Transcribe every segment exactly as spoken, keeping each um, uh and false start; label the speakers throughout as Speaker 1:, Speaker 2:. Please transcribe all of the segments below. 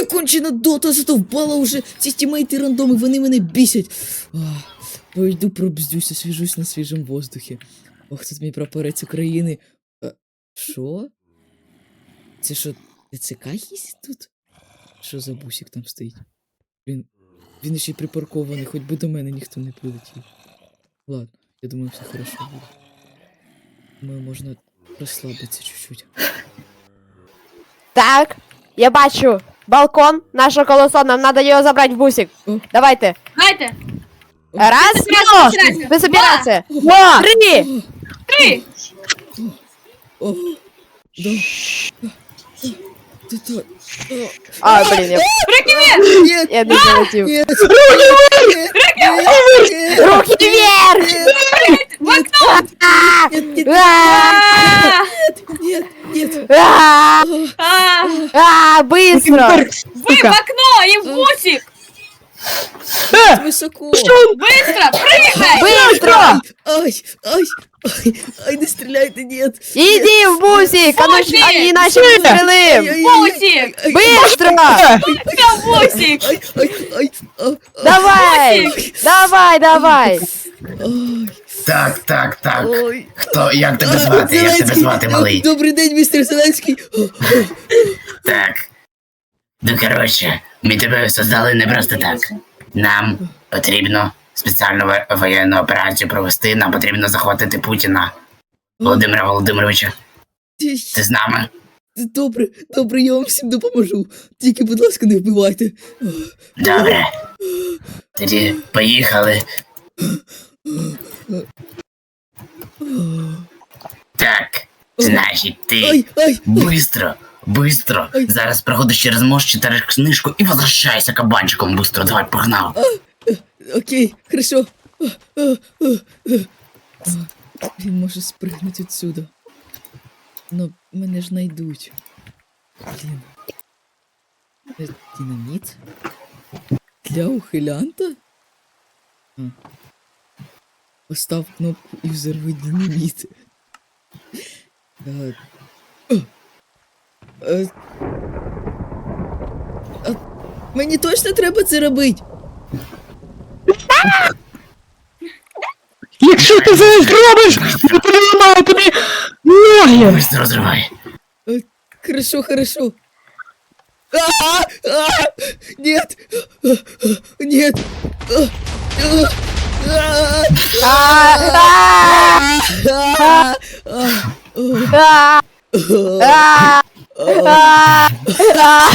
Speaker 1: моя кончена дота задовбала уже. Ці тімейти рандоми, вони мене бісять. Ах, пойду пробздюсь, освіжусь на свіжому воздухі. Ох, тут мій прапорець України. А, що? Це що, ТЦК їздить тут? Що за бусик там стоїть? Він, він ще й припаркований, хоч би до мене ніхто не прилетів. Ладно, я думаю, все хорошо буде. Думаю, можна розслабитися чуть-чуть.
Speaker 2: Так, я бачу балкон, наше колесо, нам надо його забрати в бусик.
Speaker 1: О.
Speaker 2: Давайте.
Speaker 3: Давайте.
Speaker 2: Раз,
Speaker 3: Собирайся.
Speaker 2: ви собирайся.
Speaker 4: Два!
Speaker 2: Три.
Speaker 3: Три.
Speaker 1: О, да. Ты то.
Speaker 2: А, блін, я,
Speaker 3: Руки вверх.
Speaker 1: Нет,
Speaker 2: я не залетів.
Speaker 1: нет,
Speaker 2: Руки вверх!
Speaker 3: В окно.
Speaker 2: А!
Speaker 1: нет, нет,
Speaker 2: А!
Speaker 1: нет, нет.
Speaker 2: А!
Speaker 3: А,
Speaker 2: А, быстро!
Speaker 3: Вы в окно и в бусик.
Speaker 1: Высоко.
Speaker 3: Быстро, прыгай.
Speaker 2: Быстро!
Speaker 1: Ай, ай, ай, ай, не стреляйте, нет.
Speaker 2: Иди в бусик, а
Speaker 3: Бусик!
Speaker 2: они иначе выстрелим!
Speaker 3: Бусик.
Speaker 2: Быстро!
Speaker 3: Я в бусик.
Speaker 1: Ай, ай, ай, а, а,
Speaker 2: Давай! Давай, давай!
Speaker 1: ай,
Speaker 5: Так, так, так.
Speaker 1: ой.
Speaker 5: Хто, як тебе
Speaker 1: А,
Speaker 5: звати? Як тебе
Speaker 1: Зеленський.
Speaker 5: звати, малий?
Speaker 1: Добрий день, містер Зеленський.
Speaker 5: Так. Ну, коротше, ми тебе создали не просто так. Нам потрібно спеціальну во- воєнну операцію провести, нам потрібно захватити Путіна. Володимира Володимировича, ти з нами?
Speaker 1: Добре, добре, я вам всім допоможу. Тільки, будь ласка, не вбивайте.
Speaker 5: Добре. Тоді поїхали. Так, значить, ти
Speaker 1: Ай, ай,
Speaker 5: бистро, бистро.
Speaker 1: Ой.
Speaker 5: Зараз проходиш через мост, читаєш книжку і возвращайся кабанчиком бистро. Давай, погнав.
Speaker 1: окей, хорошо. А, а, а, а. Він може спригнути відсюди. Но мене ж знайдуть. Блін. Це динаміт? Для ухилянта? А. Постав кнопку і взорви динаміт. А, а, а, а, мені точно треба це робити?
Speaker 4: Якщо ти це зробиш, я переламаю тобі ноги!
Speaker 5: Бистро розривай.
Speaker 1: Хорошо, хорошо. А, а, нет! А, а, нет! А, а, а,
Speaker 2: А!
Speaker 1: а, а,
Speaker 2: А!
Speaker 1: а,
Speaker 2: А! А!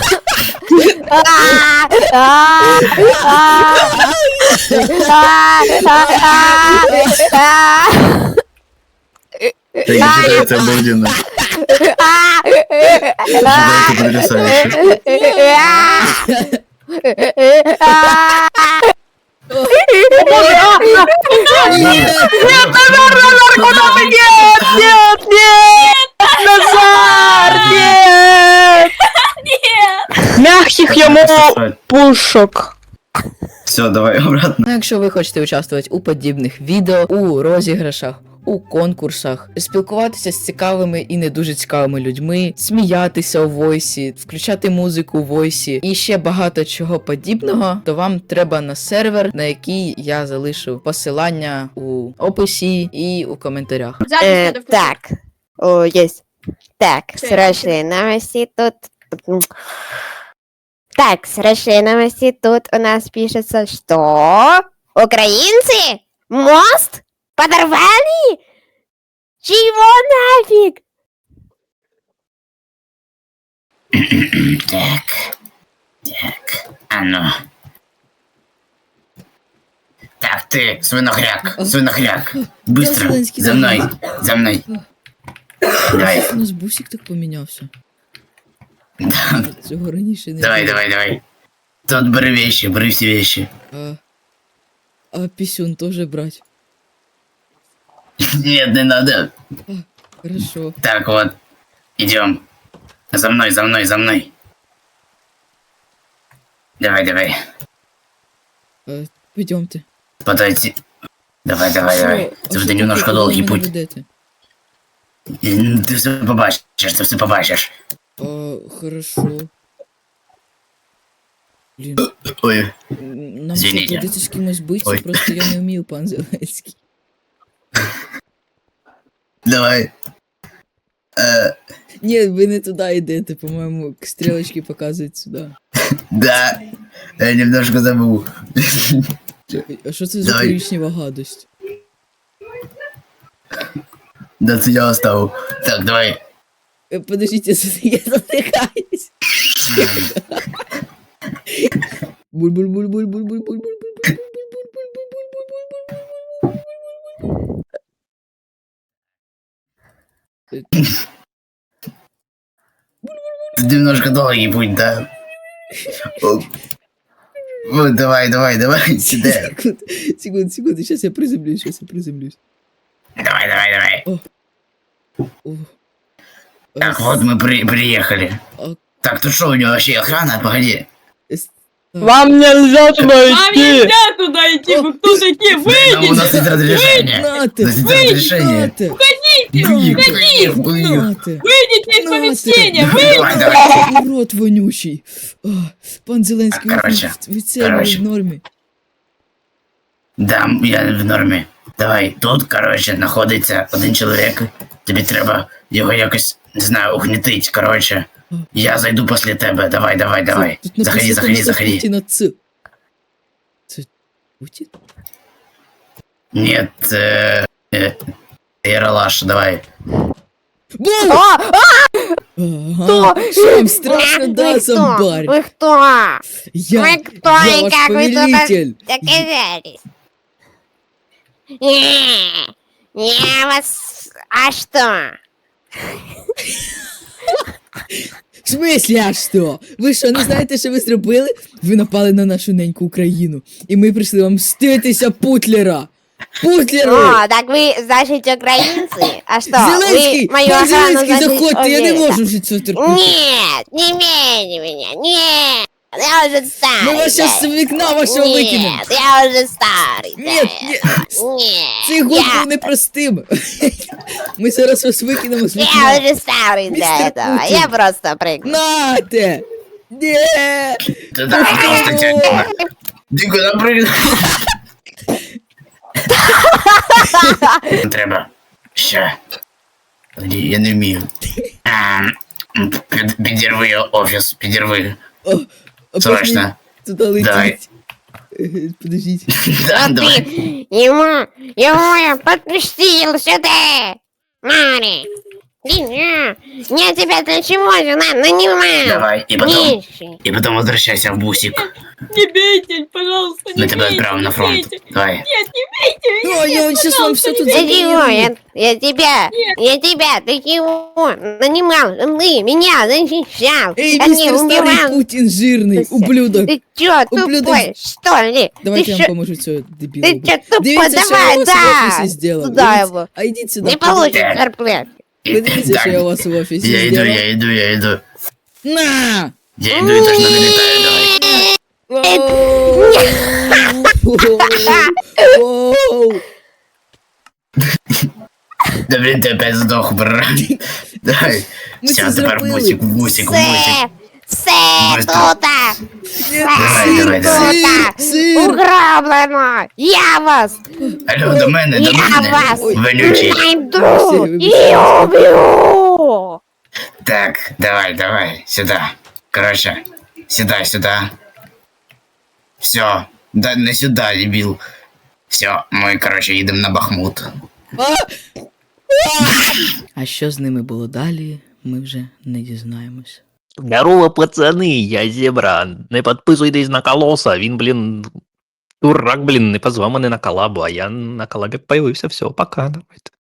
Speaker 5: Это обалденно. Это потрясающе.
Speaker 2: Нет, нет! Назар, нет!
Speaker 3: Нет.
Speaker 4: Мягких йому пушок.
Speaker 5: Все, давай обратно.
Speaker 1: Ну, якщо ви хочете участвувати у подібних відео, у розіграшах, у конкурсах, спілкуватися з цікавими і не дуже цікавими людьми, сміятися у войсі, включати музику у войсі і ще багато чого подібного, то вам треба на сервер, на який я залишу посилання у описі і у коментарях.
Speaker 3: Запись
Speaker 2: Э,
Speaker 3: надо включить.
Speaker 2: так, о, есть. Так,
Speaker 3: Что
Speaker 2: срочные новости тут. Так, срочные новости тут у нас пишется, что украинцы мост подорвали? Чего нафиг?
Speaker 5: Так. Так. А ну. Так, ты, свинохряк, свинохряк. Быстро,
Speaker 1: Зеленский,
Speaker 5: за
Speaker 1: давай.
Speaker 5: мной, за мной. Давай.
Speaker 1: У нас бусик так помінявся. Цього раніше не
Speaker 5: Давай,
Speaker 1: було.
Speaker 5: давай, давай. Тут бери вещи, бери все вещи.
Speaker 1: А, а писюн тоже брать?
Speaker 5: Нет, не надо.
Speaker 1: Хорошо.
Speaker 5: Так вот, идем. За мной, за мной, за мной. Давай, давай.
Speaker 1: А, пойдемте.
Speaker 5: Подойти. Давай, давай, давай. Это уже немножко долгий путь. Ты все побачишь, ты все побачишь.
Speaker 1: А, хорошо. Блін,
Speaker 5: Ой,
Speaker 1: м, нам
Speaker 5: Извините.
Speaker 1: що, прийдеться з кимось битися,
Speaker 5: Ой.
Speaker 1: просто я не вмію, пан Зеленський.
Speaker 5: давай. Е,
Speaker 1: Ні, ви не туди йдете, по-моєму, стрілочки показують сюди.
Speaker 5: да, я немножко забыл.
Speaker 1: А що це за
Speaker 5: Давай.
Speaker 1: коричнева гадость?
Speaker 5: Да, це я оставил. Так, давай.
Speaker 1: Е, Подождите, я затикаюсь.
Speaker 5: Тут немножко долгий путь, да? О, о, давай, давай, давай, сюда.
Speaker 1: Секунду, секунду, секунду, сейчас я приземлюсь, сейчас я приземлюсь.
Speaker 5: Давай, давай, давай.
Speaker 1: О.
Speaker 5: Так,
Speaker 1: А,
Speaker 5: вот мы при, приехали.
Speaker 1: а,
Speaker 5: Так, тут что, у него вообще охрана? Погоди.
Speaker 1: эс-
Speaker 4: Вам нельзя туда
Speaker 3: Вам
Speaker 4: идти!
Speaker 3: нельзя туда идти, вы кто такие?
Speaker 5: Нам у нас
Speaker 3: Выйдите!
Speaker 5: есть разрешение.
Speaker 1: Нате,
Speaker 5: У нас есть разрешение.
Speaker 1: Нате,
Speaker 5: Выйди, выйди, выйди.
Speaker 1: Нате.
Speaker 3: Выйдите из
Speaker 1: Ну,
Speaker 3: помещения!
Speaker 1: ты-
Speaker 3: Выйдите!
Speaker 5: Давай, давай.
Speaker 1: Урод вонючий. А, Пан Зеленський, ви,
Speaker 5: Короче,
Speaker 1: ви це ви
Speaker 5: короче.
Speaker 1: в нормі.
Speaker 5: Да, я в нормі. Давай, тут, коротше, знаходиться один чоловік. Тобі треба його якось, не знаю, угнітить, коротше. Я зайду після тебе. Давай, давай, давай.
Speaker 1: Тут написано,
Speaker 5: Заходи, заходи,
Speaker 1: що
Speaker 5: заходи.
Speaker 1: Путіна Ц. Це Путін?
Speaker 5: Нет, э, э, Ералаш, давай.
Speaker 1: Бу!
Speaker 2: О,
Speaker 1: Ага,
Speaker 2: кто?
Speaker 1: що вам страшно, да,
Speaker 2: Вы кто?
Speaker 1: зомбарь?
Speaker 2: Вы кто?
Speaker 1: Я,
Speaker 2: Вы кто
Speaker 1: я
Speaker 2: и
Speaker 1: ваш
Speaker 2: как вы тут
Speaker 1: повелитель.
Speaker 2: оказались? Не, я вас... А что?
Speaker 1: В смислі, а що? Ви що, не знаєте, що ви зробили? Ви напали на нашу неньку Україну. І ми прийшли вам мститися Путлера. Путлеру!
Speaker 2: О, так вы, значит, украинцы? А что,
Speaker 1: Зеленський!
Speaker 2: вы мою
Speaker 1: Пан
Speaker 2: охрану,
Speaker 1: Зеленський,
Speaker 2: значит,
Speaker 1: заходьте, я не
Speaker 2: убили?
Speaker 1: можу вже цього терпіти.
Speaker 2: Нет, не имейте меня, нет. Я уже старый.
Speaker 1: Ми вас зараз з
Speaker 2: да.
Speaker 1: вікна вашого викинемо.
Speaker 2: Нет, я уже старый.
Speaker 1: Ні,
Speaker 2: да.
Speaker 1: ні,
Speaker 2: Нет,
Speaker 1: цей год
Speaker 2: я,
Speaker 1: був непростим. Ми зараз вас викинемо з
Speaker 2: я
Speaker 1: вікна.
Speaker 2: уже старый для
Speaker 1: Мистер
Speaker 2: этого.
Speaker 1: Путин.
Speaker 2: Я просто прыгну.
Speaker 1: Нате! Ні!
Speaker 5: Ты да, просто тебя... Ты куда прыгнул? Треба. Ща. Подожди, я не вмію. Ем, під- Підірви офіс, підірви.
Speaker 1: О, а
Speaker 5: Срочно.
Speaker 1: Туди
Speaker 5: Давай.
Speaker 1: летіть. Е, Подождіть.
Speaker 5: Да,
Speaker 2: А
Speaker 5: давай.
Speaker 2: ты ему, ему я подпустил сюда. Мари. Не, я тебя для чего же нам нанимал?
Speaker 5: Давай, и потом,
Speaker 2: Нищий.
Speaker 5: и потом возвращайся в бусик.
Speaker 3: Не бейте, пожалуйста, не
Speaker 5: Мы тебя
Speaker 3: бейте,
Speaker 5: отправим на
Speaker 3: не
Speaker 5: фронт.
Speaker 3: бейте.
Speaker 5: Давай.
Speaker 3: Нет, не бейте меня,
Speaker 1: О, я он сейчас вам все тут
Speaker 2: Для чего?
Speaker 1: заберу.
Speaker 2: Я, я тебя, я тебя, ты чего? Нанимал, ты меня защищал.
Speaker 1: Эй,
Speaker 2: а не
Speaker 1: мистер старый
Speaker 2: убивал.
Speaker 1: Путин жирный, ублюдок.
Speaker 2: Ты чё,
Speaker 1: Ублюдок.
Speaker 2: тупой, что ли?
Speaker 1: Давайте
Speaker 2: ты
Speaker 1: я
Speaker 2: чё,
Speaker 1: вам поможу цього дебіла.
Speaker 2: ты
Speaker 1: убити.
Speaker 2: чё, тупой,
Speaker 1: Дивіться, що я
Speaker 2: давай,
Speaker 1: у вас в
Speaker 2: да.
Speaker 1: офісі зробив.
Speaker 2: Туда
Speaker 1: Дивіться.
Speaker 2: его.
Speaker 1: А йдіть сюди.
Speaker 2: Не получишь
Speaker 5: Так.
Speaker 2: зарплату.
Speaker 1: Подивіться, що я у
Speaker 5: Так,
Speaker 1: вас в офісі
Speaker 5: я иду,
Speaker 1: зробив.
Speaker 5: я иду, я иду.
Speaker 1: На!
Speaker 5: Я иду и точно налетаю, давай.
Speaker 1: Оу. Оу.
Speaker 5: Да блин, ты опять сдох, брат. Давай.
Speaker 1: Мы
Speaker 5: Все,
Speaker 1: це
Speaker 5: теперь в
Speaker 1: зробили.
Speaker 5: бусик, в бусик, в бусик.
Speaker 2: Все, все,
Speaker 5: Быстро.
Speaker 2: тута,
Speaker 5: Давай, давай, давай.
Speaker 2: тута,
Speaker 1: Сир!
Speaker 2: уграблено. Я вас,
Speaker 5: Алло, до мене, до
Speaker 2: я
Speaker 5: мене.
Speaker 2: вас
Speaker 5: Вонючий.
Speaker 2: найду
Speaker 1: Вибачте,
Speaker 2: и убью.
Speaker 5: Так, давай, давай, сюда. Короче, сюда, сюда. Все, да не сюда, дебил. Все, мы, короче, їдемо на Бахмут.
Speaker 1: А що з ними було далі, ми вже не дізнаємось.
Speaker 4: Здорово, пацани, я Зебра. Не підписуйтесь на колоса, він, блін, дурак, блін, не позвав мене на колабу, а я на колабі появився, все, пока, давайте.